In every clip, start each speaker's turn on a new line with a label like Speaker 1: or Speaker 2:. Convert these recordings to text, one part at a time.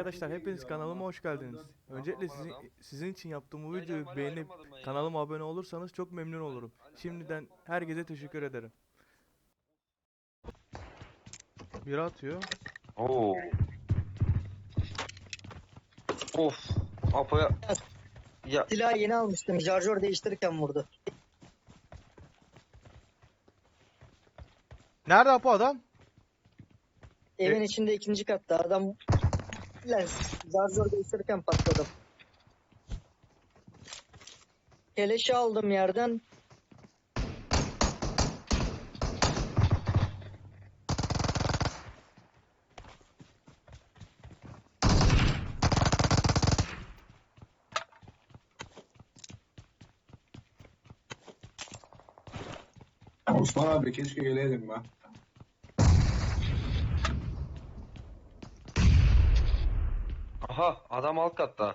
Speaker 1: Arkadaşlar hepiniz kanalıma hoş geldiniz. Öncelikle sizin için yaptığım bu videoyu beğenip kanalıma abone olursanız çok memnun olurum. Şimdiden herkese teşekkür ederim. Biri atıyor.
Speaker 2: Oo. Of. Apo'ya ya
Speaker 3: Silahı yeni almıştım. Şarjör değiştirirken vurdu.
Speaker 1: Nerede Apo adam?
Speaker 3: Evin içinde ikinci katta adam şarjör değiştirirken patladım. Keleşi aldım yerden.
Speaker 4: Osman abi keşke geleydim ben.
Speaker 2: aha adam alt katta.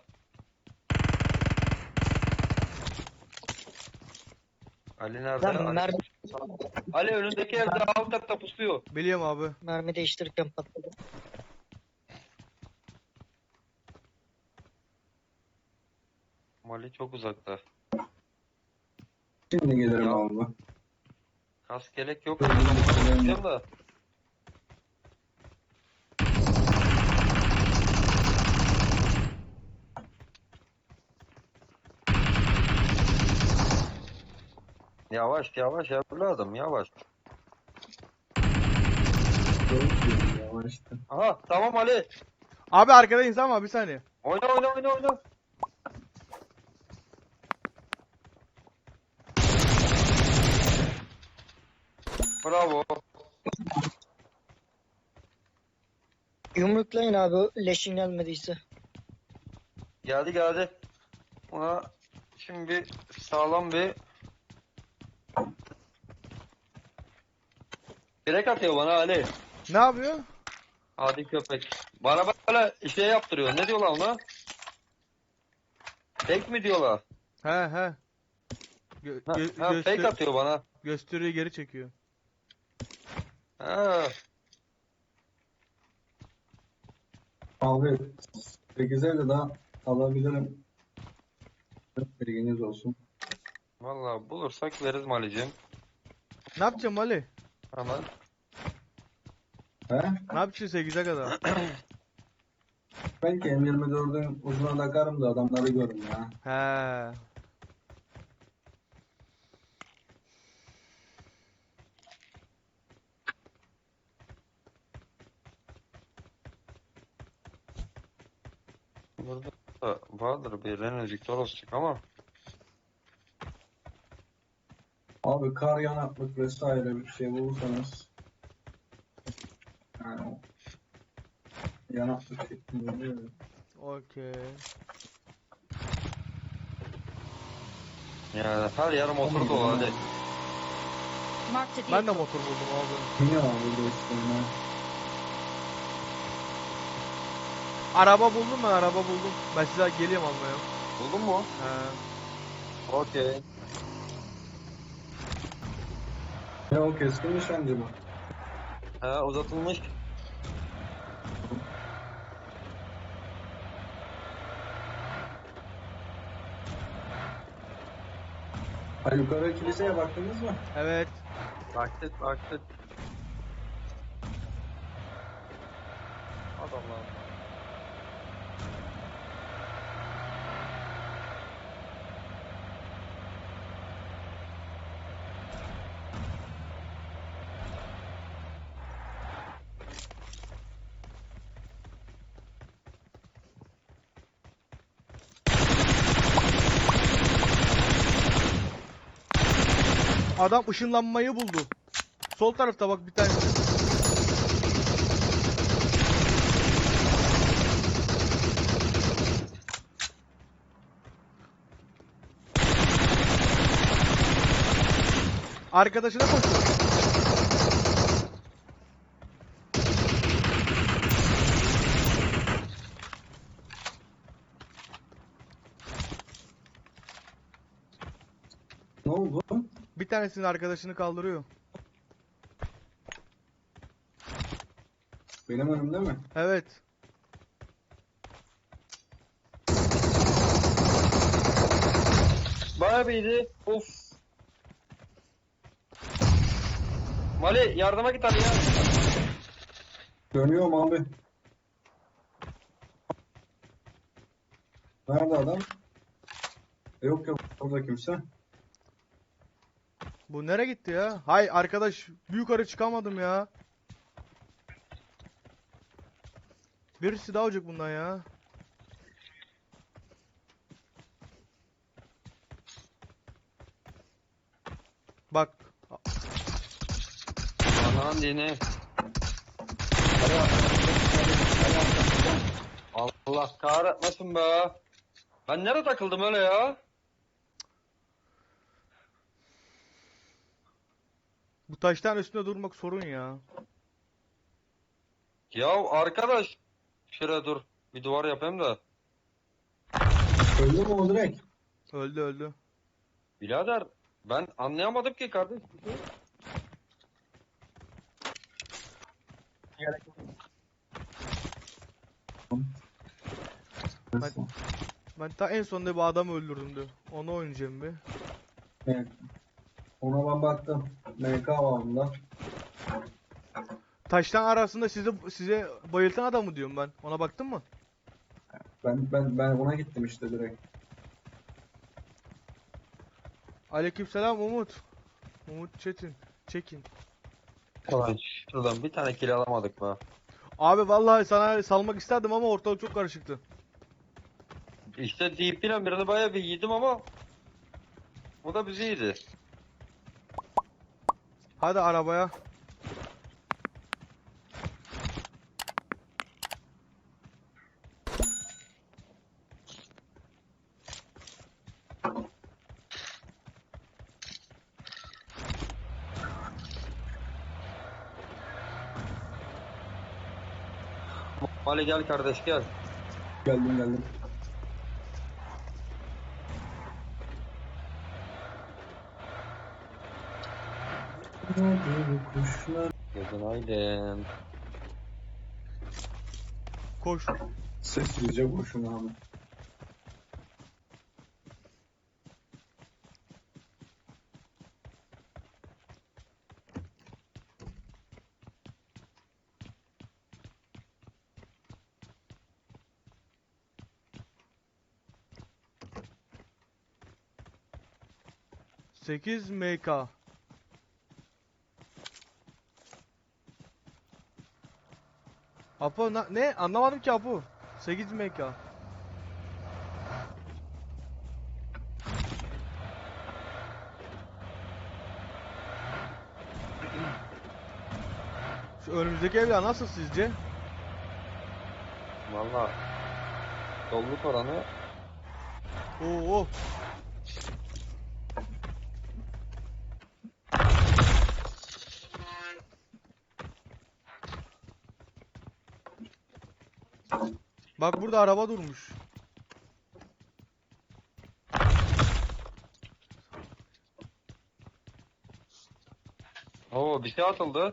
Speaker 2: Ali nerede?
Speaker 3: Lan
Speaker 2: Ali önündeki evde alt katta pusuyor.
Speaker 1: Biliyorum abi.
Speaker 3: mermi değiştirirken patladım.
Speaker 2: Ali çok uzakta.
Speaker 4: Şimdi gelirim
Speaker 2: Ya.
Speaker 4: abi.
Speaker 2: Kask gerek yok.
Speaker 4: Öyle
Speaker 2: Bakacağım da. Yavaş yavaş evladım yavaş.
Speaker 4: Yavaştı.
Speaker 2: Aha tamam Ali.
Speaker 1: Abi arkada insan var, bir saniye.
Speaker 2: Oyna. Bravo.
Speaker 3: Yumruklayın abi leşin gelmediyse.
Speaker 2: Geldi. Ona şimdi sağlam bir direkt atıyor bana Ali.
Speaker 1: Ne yapıyor?
Speaker 2: Hadi köpek. Bana böyle şey yaptırıyor. Ne diyorlar ona? Fake mi diyorlar?
Speaker 1: He.
Speaker 2: Fake atıyor bana.
Speaker 1: Gösteriyi geri çekiyor.
Speaker 2: Ha.
Speaker 4: Abi 8 evde daha alabilirim. Bilginiz olsun.
Speaker 2: Vallahi bulursak veririz Mali'cim.
Speaker 1: Ne yapacağım Ali?
Speaker 2: Hemen.
Speaker 4: He?
Speaker 1: Ne yapacaksın 8'e kadar?
Speaker 4: Belki M24'ün uzuna takarım da adamları görün ya.
Speaker 1: He.
Speaker 2: Burada da vardır bir Renault Victoros'cuk ama.
Speaker 4: Abi kar yanaklık vesaire bir şey bulursanız. Yani yanaklık şeklinde oluyor.
Speaker 1: Okey.
Speaker 2: Yani her yer motor dolu hadi.
Speaker 5: Marked a
Speaker 1: Ben de
Speaker 5: vehicle.
Speaker 1: motor buldum abi.
Speaker 4: Niye abi dostum
Speaker 1: Araba buldum ben, araba buldum. Ben size geliyorum almaya.
Speaker 2: Buldun mu?
Speaker 1: He.
Speaker 2: Okey.
Speaker 4: ya? O keskin nişancı bu.
Speaker 2: Ha uzatılmış.
Speaker 4: Ha yukarı kiliseye baktınız mı?
Speaker 1: Evet.
Speaker 2: Baktık. Adamlar.
Speaker 1: Adam ışınlanmayı buldu. Sol tarafta bak bir tane. Arkadaşına koşuyor.
Speaker 4: Ne oldu?
Speaker 1: Bir tanesinin arkadaşını kaldırıyor.
Speaker 4: Benim önümde mi?
Speaker 1: Evet.
Speaker 2: Bayağı bir iyiydi. Of. Mali yardıma git hadi ya.
Speaker 4: Dönüyorum abi. Nerede adam? Yok yok burada kimse.
Speaker 1: Bu nereye gitti ya? Hay arkadaş, bir yukarı çıkamadım ya. Birisi daha olacak bundan ya. Bak.
Speaker 2: Anan dini. Allah kahretmesin be. Ben nereye takıldım öyle ya?
Speaker 1: Bu taştan üstünde durmak sorun ya.
Speaker 2: Ya arkadaş. Şuraya dur. Bir duvar yapayım da.
Speaker 4: Öldü mü o direkt?
Speaker 1: Öldü öldü.
Speaker 2: Birader ben anlayamadım ki kardeş.
Speaker 1: Ben ta en sonunda bir adam öldürdüm de. Onu oynayacağım bir.
Speaker 4: Evet. Ona ben baktım. MK var bunda.
Speaker 1: Taştan arasında size bayıltan adamı diyorum ben. Ona baktın mı?
Speaker 4: Ben ona gittim işte direkt.
Speaker 1: Aleykümselam Umut. Umut Çekin.
Speaker 2: Ulan şuradan bir tane kill alamadık be.
Speaker 1: Abi vallahi sana salmak isterdim ama ortalık çok karışıktı.
Speaker 2: İşte DP ile birini bayağı bir yedim ama bu da bizi yedi.
Speaker 1: Hadi arabaya.
Speaker 2: Mali gel kardeş gel.
Speaker 4: Geldim. Kuşlar.
Speaker 2: Gözün aydın.
Speaker 1: Koş.
Speaker 4: Sessizce koşun abi.
Speaker 1: Sekiz MK. Apo ne? Anlamadım ki Apo. 8 MK. Şu önümüzdeki evler nasıl sizce?
Speaker 2: Valla doluluk oranı
Speaker 1: Oo. Bak burada araba durmuş.
Speaker 2: Oo bir şey atıldı.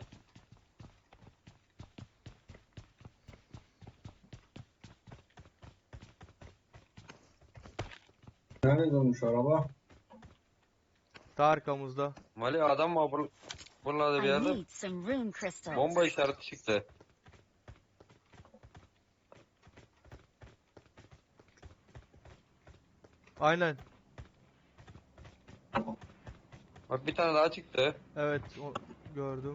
Speaker 4: Nerede durmuş araba?
Speaker 1: Ta arkamızda.
Speaker 2: Mali adam var buralarda bir
Speaker 5: I
Speaker 2: yerde
Speaker 5: need some rune crystals.
Speaker 2: bomba işareti çıktı.
Speaker 1: Aynen.
Speaker 2: Bak bir tane daha çıktı.
Speaker 1: Evet gördüm.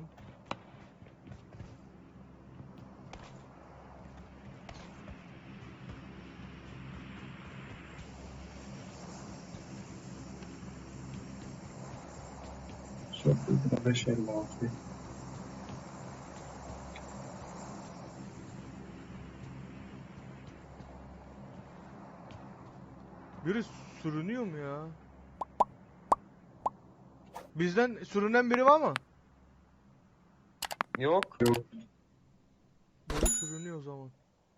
Speaker 4: Çok büyük 556.
Speaker 1: Biri sürünüyor mu ya? Bizden sürünen biri var mı?
Speaker 2: Yok.
Speaker 1: Biri sürünüyor o zaman.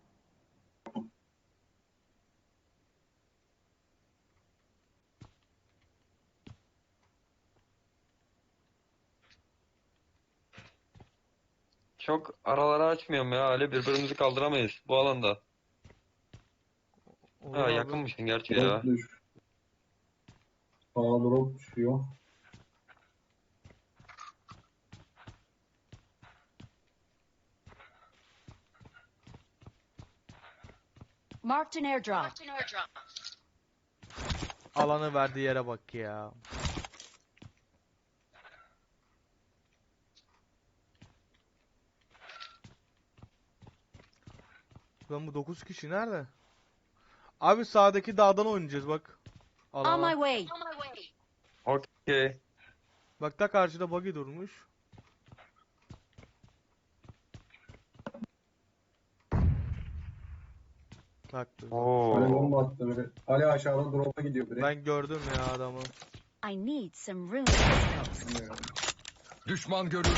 Speaker 2: Çok araları açmıyorum ya Ali birbirimizi kaldıramayız bu alanda.
Speaker 1: Olur
Speaker 2: Ha
Speaker 1: abi.
Speaker 2: yakınmışsın gerçi
Speaker 4: Çok
Speaker 2: ya.
Speaker 4: düş. Sağa drop düşüyor.
Speaker 5: Marked an airdrop.
Speaker 1: Alanı verdiği yere bak ya. Lan bu 9 kişi nerede? Abi sağdaki dağdan oynayacağız bak.
Speaker 5: On my
Speaker 1: Alana.
Speaker 5: way.
Speaker 2: Okey.
Speaker 1: Bak da karşıda buggy durmuş. Bak dur.
Speaker 4: Ali
Speaker 2: Oo.
Speaker 4: bomba attı biri. Ali aşağıda drop'a gidiyor biri.
Speaker 1: Ben gördüm ya adamı.
Speaker 5: I need some rune crystals.
Speaker 4: Bilmiyorum.
Speaker 6: Düşman görüldü.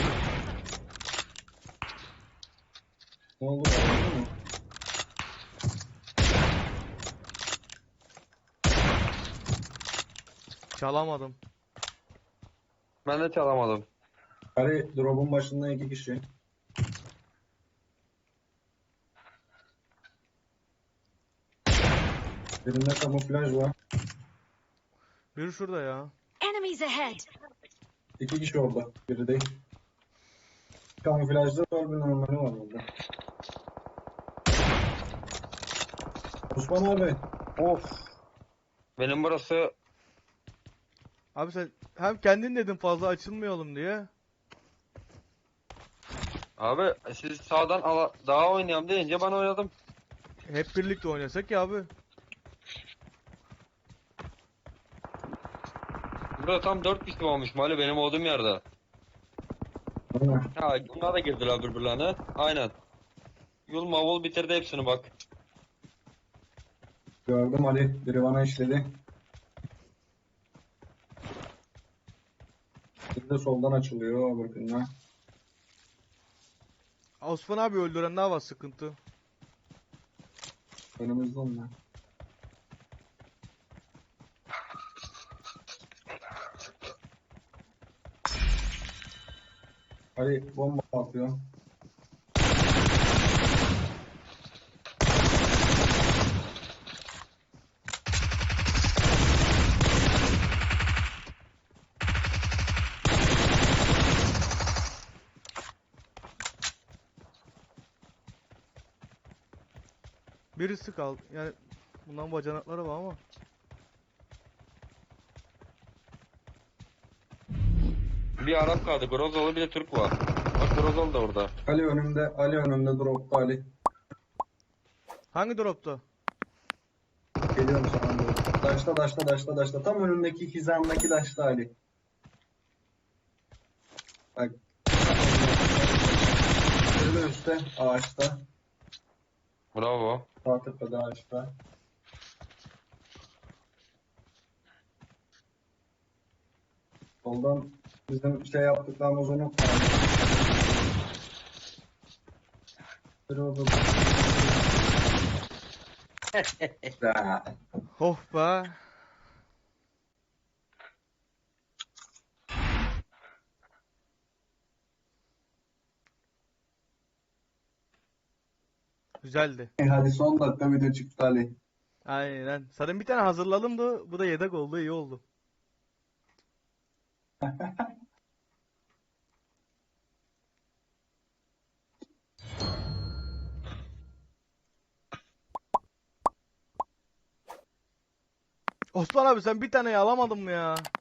Speaker 4: Ne oldu? Öldü mü?
Speaker 1: Çalamadım.
Speaker 2: Ben de çalamadım.
Speaker 4: Ali drop'un başında 2 kişi. Birinde kamuflaj var.
Speaker 1: Biri şurada ya.
Speaker 5: Enemies ahead.
Speaker 4: 2 kişi orada. Biri değil. Kamuflajda var, bir normali var orada. Osman abi.
Speaker 2: Of. Benim burası
Speaker 1: Abi sen hem kendin dedin fazla açılmayalım diye.
Speaker 2: abi siz sağdan daha oynayalım deyince ben oynadım.
Speaker 1: Hep birlikte oynasak ya abi.
Speaker 2: Burada tam 4 kişi olmuş Mali benim olduğum yerde.
Speaker 4: Aynen.
Speaker 2: Ha bunlar da girdiler birbirlerine. Aynen. Yul mavul bitirdi hepsini bak.
Speaker 4: Gördüm Ali. Biri bana işledi. Bir de soldan açılıyor öbürkünden.
Speaker 1: Osman abi öldüren daha var sıkıntı.
Speaker 4: Önümüzde onlar. Ali bomba atıyor.
Speaker 1: Birisi kaldı. Yani bundan bacanakları var ama.
Speaker 2: Bir Arap kaldı. Grozalı bir de Türk var. Bak Grozalı da orada.
Speaker 4: Ali önümde. Ali önümde dropta Ali.
Speaker 1: Hangi dropta?
Speaker 4: Geliyorum sana doğru. Daşta. Tam önündeki hizamdaki daşta Ali. Bak. Biri de üstte ağaçta.
Speaker 2: Bravo.
Speaker 4: Sağ tepede ağaçta. Soldan bizim şey yaptıklarımız unutma. Biri orada. Ya.
Speaker 1: Oh be. Güzeldi.
Speaker 4: Hadi son dakika video çıktı Ali.
Speaker 1: Aynen. Zaten bir tane hazırladım da bu da yedek oldu, iyi oldu. Osman abi sen bir taneyi alamadın mı ya?